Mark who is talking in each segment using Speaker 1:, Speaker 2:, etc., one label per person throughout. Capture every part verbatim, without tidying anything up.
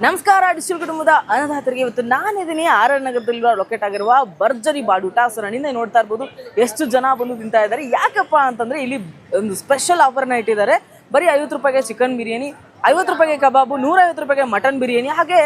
Speaker 1: ನಮಸ್ಕಾರ ಡಿಜಿಟಲ್ ಕುಟುಂಬದ ಅನ್ನದಾತರಿಗೆ ಇವತ್ತು ನಾನಿದ್ದೀನಿ ಆರ್ ಆರ್ ನಗರದಲ್ಲಿರುವ ಲೊಕೇಟ್ ಆಗಿರುವ ಭರ್ಜರಿ ಬಾಡೂಟ. ಸೊ ನನ್ನಿಂದ ನೋಡ್ತಾ ಇರ್ಬೋದು ಎಷ್ಟು ಜನ ಬಂದು ತಿಂತಾ ಇದ್ದಾರೆ. ಯಾಕಪ್ಪ ಅಂತಂದ್ರೆ ಇಲ್ಲಿ ಒಂದು ಸ್ಪೆಷಲ್ ಆಫರ್ನ ಇಟ್ಟಿದ್ದಾರೆ. ಬರೀ ಐವತ್ತು ರೂಪಾಯಿಗೆ ಚಿಕನ್ ಬಿರಿಯಾನಿ, ಐವತ್ತು ರೂಪಾಯಿಗೆ ಕಬಾಬು, ನೂರೈವತ್ತು ರೂಪಾಯಿಗೆ ಮಟನ್ ಬಿರಿಯಾನಿ, ಹಾಗೆ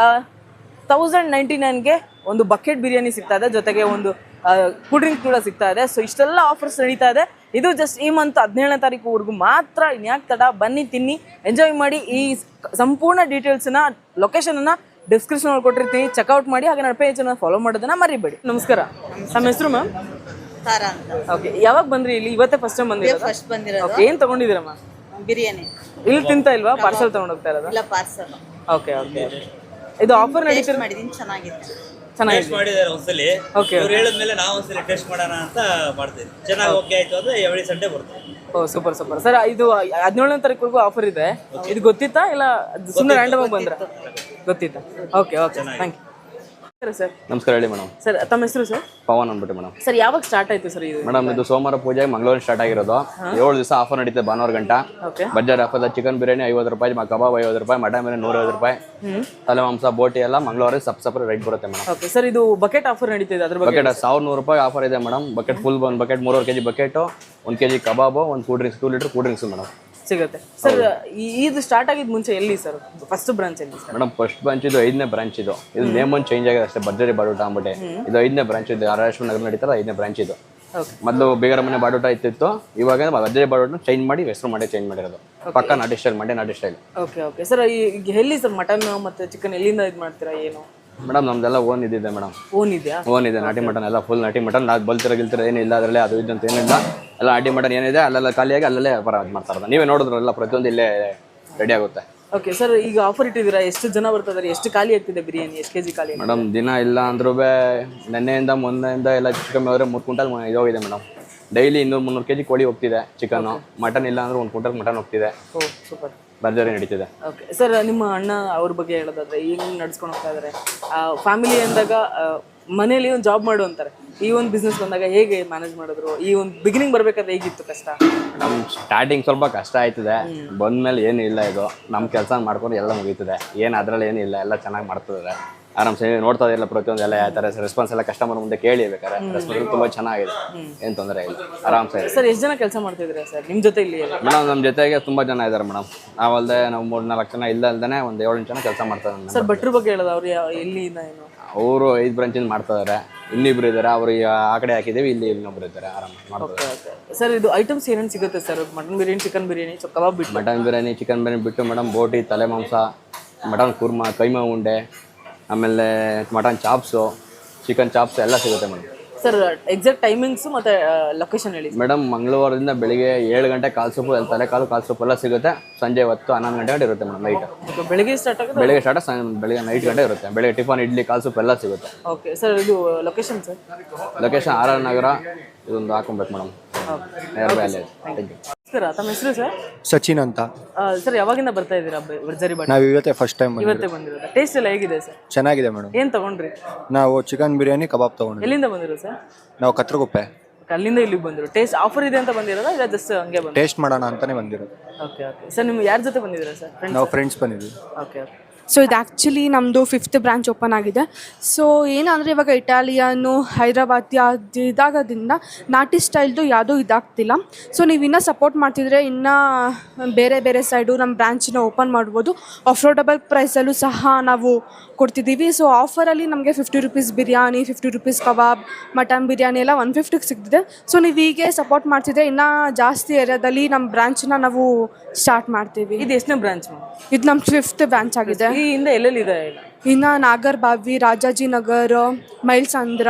Speaker 1: ತೌಸಂಡ್ ನೈಂಟಿ ನೈನ್ಗೆ ಒಂದು ಬಕೆಟ್ ಬಿರಿಯಾನಿ ಸಿಗ್ತಾ ಇದೆ, ಜೊತೆಗೆ ಒಂದು ಕೂಲ್ ಡ್ರಿಂಕ್ ಕೂಡ ಸಿಗ್ತಾ ಇದೆ. ಸೊ ಇಷ್ಟೆಲ್ಲ ಆಫರ್ಸ್ ನಡೀತಾ ಇದೆ. ಇದು ಜಸ್ಟ್ ಈ ಮಂತ್ ಹದಿನೇಳನೇ ತಾರೀಕುವರೆಗೂ ಮಾತ್ರ. ಇನ್ಯಾಕೆ ತಡ, ಬನ್ನಿ ತಿನ್ನಿ ಎಂಜಾಯ್ ಮಾಡಿ. ಈ ಸಂಪೂರ್ಣ ಡೀಟೇಲ್ಸ್ನ ಲೊಕೇಶನನ್ನು ಡಿಸ್ಕ್ರಿಪ್ಷನ್ ಕೊಟ್ಟಿರ್ತೀನಿ, ಚೆಕ್ಔಟ್ ಮಾಡಿ. ಹಾಗೆ ನನ್ನ ಪೇಜನ್ನು ಫಾಲೋ ಮಾಡೋದನ್ನ ಮರಿಬೇಡಿ. ನಮಸ್ಕಾರ, ನಮ್ಮ ಹೆಸರು ಮ್ಯಾಮ್?
Speaker 2: ತಾರಾ ಅಂತ.
Speaker 1: ಓಕೆ, ಯಾವಾಗ ಬಂದ್ರಿ ಇಲ್ಲಿ? ಇವತ್ತೇ ಫಸ್ಟ್ ಟೈಮ್ ಬಂದಿರೋದು?
Speaker 2: ಫಸ್ಟ್ ಬಂದಿರೋದು.
Speaker 1: ಓಕೆ, ಏನು ತಗೊಂಡಿದ್ದೀರಮ್ಮ?
Speaker 2: ಬಿರಿಯಾನಿ.
Speaker 1: ಇಲ್ಲಿ ತಿಂತಾ ಇಲ್ವಾ? ಪಾರ್ಸಲ್ ತಗೊಂಡು ಹೋಗ್ತಾ ಇರೋದು?
Speaker 2: ಇಲ್ಲ, ಪಾರ್ಸಲ್.
Speaker 1: Okay okay. ಇದು ಆಫರ್ ನಡೀತಿರೋ
Speaker 2: ಮಾಡಿದೀನಿ, ಚೆನ್ನಾಗಿದೆ.
Speaker 1: ಚೆನ್ನಾಗಿದೆ
Speaker 3: ಮಾಡಿದ್ದಾರೆ ಒಂದ್ಸಲಿ.
Speaker 1: ಓಕೆ,
Speaker 3: ಅವ್ರು ಹೇಳಿದ್ಮೇಲೆ ನಾವು ಒಂದ್ಸಲಿ ಟೆಸ್ಟ್ ಮಾಡೋಣ ಅಂತ ಮಾಡ್ತೀವಿ. ಚೆನ್ನಾಗಿ ಓಕೆ ಆಯ್ತು ಅಂದ್ರೆ ಎವ್ರಿ ಸಂಡೇ ಬರ್ತೀವಿ.
Speaker 1: Oh super super sir. ಇದು ಹದಿನೇಳನೇ ತಾರೀಕುವರೆಗೂ ಆಫರ್ ಇದೆ. ಇದು ಗೊತ್ತಿತ್ತಾ ಇಲ್ಲ ಸುಮ್ಮನೆ ರ್ಯಾಂಡಮ್ ಆಗಿ ಬಂದ್ರ? ಗೊತ್ತಿತ್ತಾ? Okay okay, thank you sir.
Speaker 4: ನಮಸ್ಕಾರ, ಹೇಳಿ ಮೇಡಮ್.
Speaker 1: ಸರ್ ತಮ್ಮ ಹೆಸರು ಸರ್?
Speaker 4: ಪವನ್ ಅಂದ್ಬಿಟ್ಟು ಮೇಡಮ್.
Speaker 1: ಸರ್ ಯಾವಾಗ ಸ್ಟಾರ್ಟ್ ಆಯ್ತು ಸರ್ ಇದು?
Speaker 4: ಮೇಡಮ್ ಇದು ಸೋಮವಾರ ಪೂಜೆ ಮಂಗಳವಾರ ಸ್ಟಾರ್ಟ್ ಆಗಿರೋದು. ಏಳು ದಿವಸ ಆಫರ್ ನಡೀತದೆ, ಭಾನುವಾರ ಗಂಟ.
Speaker 1: ಓಕೆ.
Speaker 4: ಬಜಾರ್ ಆಫರ್ ಚಿಕನ್ ಬಿರಿಯಾನಿ ಐವತ್ತು ರೂಪಾಯಿ, ಕಬಾಬ್ ಐವತ್ತು ರೂಪಾಯಿ, ಮಟನ್ ಬಿರಿಯಾನಿ ನೂರೈವತ್ತು ರೂಪಾಯಿ, ತಲೆ ಮಾಂಸ ಬೋಟಿ ಎಲ್ಲ ಮಂಗಳವಾರ ಸಪ್ ಸಪ್ರೇಟ್ ರೇಟ್ ಬರುತ್ತೆ ಮೇಡಮ್.
Speaker 1: ಓಕೆ ಸರ್, ಇದು ಬಕೆಟ್ ಆಫರ್ ನಡೀತಿದೆ, ಅದ್ರ ಬಗ್ಗೆ?
Speaker 4: ಬಕೆಟ್ ಸಾವಿರದ ನೂರು ರೂಪಾಯಿ ಆಫರ್ ಇದೆ ಮೇಡಮ್. ಬಕೆಟ್ ಫುಲ್ ಒಂದು ಬಕೆಟ್ ಮೂರುವರೆ ಕೆಜಿ ಬಕೆಟ್, ಒಂದು ಕೆಜಿ ಕಬಾಬು, ಒಂದು cool drinks, two litre cool drinks madam
Speaker 1: ಸಿಗುತ್ತೆ. ಸರ್ ಇದು ಸ್ಟಾರ್ಟ್ ಆಗಿದ್ ಮುಂಚೆ ಎಲ್ಲಿ ಸರ್? ಫಸ್ಟ್ ಬ್ರಾಂಚ್ ಎಲ್ಲಿ ಸರ್?
Speaker 4: ಮೇಡಮ್ ಫಸ್ಟ್ ಬ್ರಾಂಚ್ ಇದು ಐದನೇ ಬ್ರಾಂಚ್. ಇದು ಇದು ನೇಮ್ ಒಂದು ಚೇಂಜ್ ಆಗಿದೆ ಅಷ್ಟೇ, ಭರ್ಜರಿ ಬಾಡೂಟ ಅಂದ್ಬಿಟ್ಟು. ಇದು ಐದನೇ ಬ್ರಾಂಚ್ ಇದು, ಆರ್ ಆರ್ ನಗರ ನಡೀತಾರೆ, ಐದನೇ ಬ್ರಾಂಚ್ ಇದು. ಮೊದಲು ಬೇಗರ ಮನೆ ಬಾಡೂಟ ಇತ್ತಿತ್ತು, ಇವಾಗ ಭರ್ಜರಿ ಬಾಡೂಟ ಚೇಂಜ್ ಮಾಡಿ ಹೆಸರು ಮಾಡಿ ಚೇಂಜ್ ಮಾಡಿರೋದು. ಪಕ್ಕ ನಾಟಿ ಸ್ಟೈಲ್, ಮಂಡ್ಯ ನಾಟಿ ಸ್ಟೈಲ್.
Speaker 1: ಓಕೆ ಓಕೆ ಸರ್, ಈಗ ಎಲ್ಲಿ ಸರ್ ಮಟನ್ ಮತ್ತೆ ಚಿಕನ್ ಎಲ್ಲಿಂದ ಇದು ಮಾಡ್ತೀರಾ ಏನು?
Speaker 4: ಮೇಡಮ್ ನಮ್ದೆಲ್ಲ ಓನ್ ಇದಿದೆ ಮೇಡಮ್.
Speaker 1: ಓನ್ ಇದೆಯಾ?
Speaker 4: ಓನ್ ಇದೆ, ನಾಟಿ ಮಟನ್ ಎಲ್ಲ ಫುಲ್ ನಾಟಿ ಮಟನ್. ನಾವು ಬಲ್ತಿರ ಗಿಲ್ತಿರ ಏನಿಲ್ಲ ಅದರಲ್ಲಿ, ಅದು ಇದು ಅಂತ ಏನಿಲ್ಲ. ಎಲ್ಲ ನಾಟಿ ಮಟನ್ ಏನಿದೆ ಅಲ್ಲೆಲ್ಲ ಖಾಲಿಯಾಗಿ ಅಲ್ಲಲ್ಲೇ ವ್ಯಾಪಾರ ಮಾಡ್ತಾ ಇರೋದು. ನೀವೇ ನೋಡಿದ್ರಲ್ಲ, ಪ್ರತಿಯೊಂದು ಇಲ್ಲೇ ರೆಡಿ ಆಗುತ್ತೆ.
Speaker 1: ಓಕೆ ಸರ್, ಈಗ ಆಫರ್ ಇಟ್ಟಿದ್ದೀರಾ, ಎಷ್ಟು ಜನ ಬರ್ತಿದ್ದಾರೆ, ಎಷ್ಟು ಖಾಲಿ ಆಗ್ತಿದೆ ಬಿರಿಯಾನಿ, ಎಷ್ಟು ಕೆಜಿ ಖಾಲಿ?
Speaker 4: ಮೇಡಮ್ ದಿನ ಇಲ್ಲ ಅಂದ್ರೂ ನೆನ್ನೆಯಿಂದ ಮೊನ್ನೆಯಿಂದ ಎಲ್ಲ ಚಿಕನ್ ಹೋದ್ರೆ ಮೂರು ಕ್ವಿಂಟಲ್ ಇದಾಗಿದೆ ಮೇಡಮ್. ಡೈಲಿ ಇನ್ನೂರು ಮುನ್ನೂರು ಕೆಜಿ ಕೋಳಿ ಹೋಗ್ತಿದೆ ಚಿಕನ್ನು. ಮಟನ್ ಇಲ್ಲ ಅಂದ್ರೆ ಒಂದು ಕ್ವಿಂಟಲ್ ಮಟನ್ ಹೋಗ್ತಿದೆ.
Speaker 1: ಓ ಸೂಪರ್,
Speaker 4: ಭರ್ಜರಿ ನಡೀತಿದೆ.
Speaker 1: ಓಕೆ ಸರ್, ನಿಮ್ಮ ಅಣ್ಣ ಅವ್ರ ಬಗ್ಗೆ ಹೇಳೋದಾದ್ರೆ ಹೆಂಗೆ ನಡ್ಸ್ಕೊಂಡು ಹೋಗ್ತಾ ಇದ್ದಾರೆ? ಫ್ಯಾಮಿಲಿ ಅಂದಾಗ ಮನೇಲಿ ಒಂದು ಜಾಬ್ ಮಾಡು ಅಂತಾರೆ, ಈ ಒಂದು ಬಿಸ್ನೆಸ್ ಬಂದಾಗ ಹೇಗೆ ಮ್ಯಾನೇಜ್ ಮಾಡಿದ್ರು? ಈ ಒಂದು ಬಿಗಿನಿಂಗ್ ಬರ್ಬೇಕಾದ್ರೆ ಹೇಗಿತ್ತು ಕಷ್ಟ?
Speaker 4: ನಮ್ಮ ಸ್ಟಾರ್ಟಿಂಗ್ ಸ್ವಲ್ಪ ಕಷ್ಟ ಆಯ್ತದೆ, ಬಂದ್ಮೇಲೆ ಏನು ಇಲ್ಲ. ಇದು ನಮ್ಮ ಕೆಲಸ ಮಾಡ್ಕೊಂಡು ಎಲ್ಲ ಮುಗೀತದೆ, ಏನು ಅದರಲ್ಲಿ ಏನಿಲ್ಲ, ಎಲ್ಲ ಚೆನ್ನಾಗಿ ಮಾಡ್ತಿದ್ದಾರೆ. ಆರಾಮ್ಸೆ ನೋಡ್ತಾ ಇರಲ್ಲ ಪ್ರತಿಯೊಂದು ಎಲ್ಲ ಯಾವ ಥರ ರೆಸ್ಪಾನ್ಸ್ ಎಲ್ಲ ಕಸ್ಟಮರ್ ಮುಂದೆ ಕೇಳಿ ಬೇಕಾರೆ ರೆಸ್ಪಾನ್ಸ್ ತುಂಬ ಚೆನ್ನಾಗಿದೆ, ಏನು ತೊಂದರೆ ಇಲ್ಲ, ಆರಾಮ್ಸೆ.
Speaker 1: ಸರ್ ಎಷ್ಟು ಜನ ಕೆಲಸ ಮಾಡ್ತಿದ್ದೀರಾ ಸರ್ ನಿಮ್ಮ ಜೊತೆ ಇಲ್ಲಿ?
Speaker 4: ಮೇಡಮ್ ನಮ್ಮ ಜೊತೆಗೆ ತುಂಬ ಜನ ಇದ್ದಾರೆ ಮೇಡಮ್. ನಾವಲ್ಲದೆ ನಾವು ಮೂರು ನಾಲ್ಕು ಜನ ಇಲ್ಲ ಅಲ್ದೇ ಒಂದು ಏಳು ಜನ ಕೆಲಸ ಮಾಡ್ತಾರೆ.
Speaker 1: ಸರ್ ಭಟ್ರ ಬಗ್ಗೆ ಹೇಳೋದು, ಅವ್ರು ಎಲ್ಲಿಂದ ಏನು?
Speaker 4: ಅವರು ಐದು ಬ್ರಾಂಚಿಂದ ಮಾಡ್ತಾ ಇದ್ದಾರೆ, ಇನ್ನಿಬ್ರು ಇದ್ದಾರೆ. ಅವರು ಆ ಕಡೆ ಹಾಕಿದ್ದೀವಿ, ಇಲ್ಲಿ ಇನ್ನೊಬ್ರು ಇದ್ದಾರೆ, ಆರಾಮ ಮಾಡ್ತಾರೆ.
Speaker 1: ಸರ್ ಇದು ಐಟಮ್ಸ್ ಏನೇನು ಸಿಗುತ್ತೆ sir? Mutton biryani, chicken biryani, ಕಬಾಬ್ ಬಿಟ್ಟು?
Speaker 4: ಮಟನ್ ಬಿರಿಯಾನಿ, ಚಿಕನ್ ಬಿರಿಯಾನಿ ಬಿಟ್ಟು ಮೇಡಮ್ ಬೋಟಿ, ತಲೆ ಮಾಂಸ, ಮಟನ್ ಕುರ್ಮಾ, ಕೈಮಾ ಉಂಡೆ, ಆಮೇಲೆ ಮಟನ್ ಚಾಪ್ಸು, ಚಿಕನ್ ಚಾಪ್ಸ್ ಎಲ್ಲ ಸಿಗುತ್ತೆ ಮೇಡಮ್.
Speaker 1: ಸರ್ ಎಕ್ಸಾಕ್ಟ್ ಟೈಮಿಂಗ್ಸು ಮತ್ತು ಲೊಕೇಶನ್ ಹೇಳಿ.
Speaker 4: ಮೇಡಮ್ ಮಂಗಳವಾರದಿಂದ ಬೆಳಿಗ್ಗೆ ಏಳು ಗಂಟೆ ಕಾಲು ಸೊಪ್ಪು, ತಲೆ ಕಾಲು ಕಾಲು ಸೊಪ್ಪು ಎಲ್ಲ ಸಿಗುತ್ತೆ. ಸಂಜೆ ಹೊತ್ತು ಹನ್ನೊಂದು ಗಂಟೆ ಗಂಟೆ ಇರುತ್ತೆ ಮೇಡಮ್. ನೈಟ್
Speaker 1: ಬೆಳಿಗ್ಗೆ ಸ್ಟಾರ್ಟ್ ಆಗುತ್ತೆ? ಬೆಳಿಗ್ಗೆ
Speaker 4: ಸ್ಟಾರ್ಟ್ ಬೆಳಿಗ್ಗೆ ನೈಟ್ ಗಂಟೆ ಇರುತ್ತೆ. ಬೆಳಿಗ್ಗೆ ಟಿಫನ್, ಇಡ್ಲಿ, ಕಾಲು ಸೊಪ್ಪು ಎಲ್ಲ ಸಿಗುತ್ತೆ.
Speaker 1: ಓಕೆ ಸರ್, ಇದು location sir?
Speaker 4: Location R R Nagar, ಇದೊಂದು ಹಾಕೊಬೇಕು ಮೇಡಮ್, ನಿಯರ್ ಬೈ ಅಲ್ಲೇ. Thank you
Speaker 1: sir. ತಮ್ಮ ಹೆಸರು ಸರ್?
Speaker 5: ಸಚಿನ್ ಅಂತ.
Speaker 1: ಸರ್ ಯಾವಾಗಿಂದ ಬರ್ತಾ ಇದ್ದೀರಾ ಭರ್ಜರಿ ಬಾಡೂಟ?
Speaker 5: ನಾವು ಇವತ್ತೇ ಫಸ್ಟ್ ಟೈಮ್
Speaker 1: ಇವತ್ತೇ ಬಂದಿರೋದು. ಟೇಸ್ಟ್ ಎಲ್ಲ ಹೇಗಿದೆ ಸರ್?
Speaker 5: ಚೆನ್ನಾಗಿದೆ ಮೇಡಮ್.
Speaker 1: ಏನು ತಗೊಂಡ್ರಿ?
Speaker 5: ನಾವು ಚಿಕನ್ ಬಿರಿಯಾನಿ, ಕಬಾಬ್ ತಗೊಂಡ್ವಿ.
Speaker 1: ಎಲ್ಲಿಂದ ಬಂದಿರೋ ಸರ್?
Speaker 5: ನಾವು ಕತ್ರಗುಪ್ಪೆ.
Speaker 1: ಅಲ್ಲಿಂದ ಇಲ್ಲಿಗೆ ಬಂದಿರೋ. ಟೇಸ್ಟ್ ಆಫರ್ ಇದೆ ಅಂತ ಬಂದಿರೋದಾ ಇಲ್ಲ ಜಸ್ಟ್ ಹಂಗೆ ಬಂದು
Speaker 5: ಟೇಸ್ಟ್ ಮಾಡೋಣ ಅಂತಾನೆ ಬಂದಿರೋದು?
Speaker 1: ಓಕೆ ಓಕೆ ಸರ್, ನಿಮ್ಮ ಯಾರ ಜೊತೆ ಬಂದಿದ್ದೀರಾ ಸರ್?
Speaker 5: ನಾವು ಫ್ರೆಂಡ್ಸ್ ಬಂದಿದ್ವಿ.
Speaker 1: Okay okay.
Speaker 6: ಸೊ ಇದು ಆ್ಯಕ್ಚುಲಿ ನಮ್ಮದು ಫಿಫ್ತ್ ಬ್ರಾಂಚ್ ಓಪನ್ ಆಗಿದೆ. ಸೊ ಏನಂದರೆ ಇವಾಗ ಇಟಾಲಿಯನ್ನು, ಹೈದ್ರಾಬಾದಿ ಅದು ಇದಾಗೋದ್ರಿಂದ ನಾಟಿ ಸ್ಟೈಲ್ದು ಯಾವುದೂ ಇದಾಗ್ತಿಲ್ಲ. ಸೊ ನೀವು ಇನ್ನೂ ಸಪೋರ್ಟ್ ಮಾಡ್ತಿದ್ರೆ ಇನ್ನೂ ಬೇರೆ ಬೇರೆ ಸೈಡು ನಮ್ಮ ಬ್ರಾಂಚನ್ನ ಓಪನ್ ಮಾಡ್ಬೋದು. ಅಫೋರ್ಡಬಲ್ ಪ್ರೈಸಲ್ಲೂ ಸಹ ನಾವು ಕೊಡ್ತಿದ್ದೀವಿ. ಸೊ ಆಫರಲ್ಲಿ ನಮಗೆ fifty rupees biryani, fifty rupees ಕಬಾಬ್, ಮಟನ್ ಬಿರಿಯಾನಿ ಎಲ್ಲ ಒನ್ ಫಿಫ್ಟಿಗೆ ಸಿಗ್ತಿದೆ. ಸೊ ನೀವು ಹೀಗೆ ಸಪೋರ್ಟ್ ಮಾಡ್ತಿದ್ರೆ ಇನ್ನೂ ಜಾಸ್ತಿ ಏರಿಯಾದಲ್ಲಿ ನಮ್ಮ ಬ್ರಾಂಚನ್ನ ನಾವು ಸ್ಟಾರ್ಟ್ ಮಾಡ್ತೀವಿ.
Speaker 1: ಇದು ಎಷ್ಟನೇ ಬ್ರಾಂಚ್?
Speaker 6: ಇದು ನಮ್ಮ ಫಿಫ್ತ್ ಬ್ರಾಂಚ್ ಆಗಿದೆ.
Speaker 1: ಈ ಹಿಂದೆ ಎಲ್ಲೆಲ್ಲಿದೆ?
Speaker 6: ಇನ್ನು ನಾಗರಬಾವಿ, ರಾಜಾಜಿನಗರ, ಮೈಲ್ಸಂದ್ರ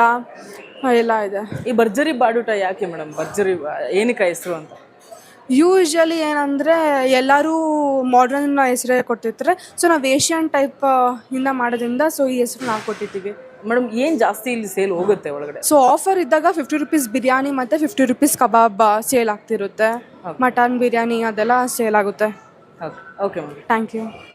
Speaker 6: ಎಲ್ಲ ಇದೆ.
Speaker 1: ಈ ಭರ್ಜರಿ ಬಾಡೂಟ ಯಾಕೆ ಮೇಡಮ್ ಭರ್ಜರಿ ಏನಕ್ಕೆ ಹೆಸರು ಅಂತ?
Speaker 6: ಯೂಶ್ವಲಿ ಏನಂದರೆ ಎಲ್ಲರೂ ಮಾಡ್ರನ್ ಹೆಸರೇ ಕೊಟ್ಟಿರ್ತಾರೆ. ಸೊ ನಾವು ಏಷ್ಯನ್ ಟೈಪ್ ಇಂದ ಮಾಡೋದ್ರಿಂದ ಸೊ ಈ ಹೆಸರು ನಾವು ಕೊಟ್ಟಿದ್ದೀವಿ.
Speaker 1: ಮೇಡಮ್ ಏನು ಜಾಸ್ತಿ ಇಲ್ಲಿ ಸೇಲ್ ಹೋಗುತ್ತೆ ಒಳಗಡೆ?
Speaker 6: ಸೊ ಆಫರ್ ಇದ್ದಾಗ ಫಿಫ್ಟಿ ರುಪೀಸ್ ಬಿರಿಯಾನಿ ಮತ್ತು ಫಿಫ್ಟಿ ರುಪೀಸ್ ಕಬಾಬ್ ಸೇಲ್ ಆಗ್ತಿರುತ್ತೆ. ಮಟನ್ ಬಿರಿಯಾನಿ ಅದೆಲ್ಲ ಸೇಲ್ ಆಗುತ್ತೆ.
Speaker 1: Okay okay madam,
Speaker 6: thank you.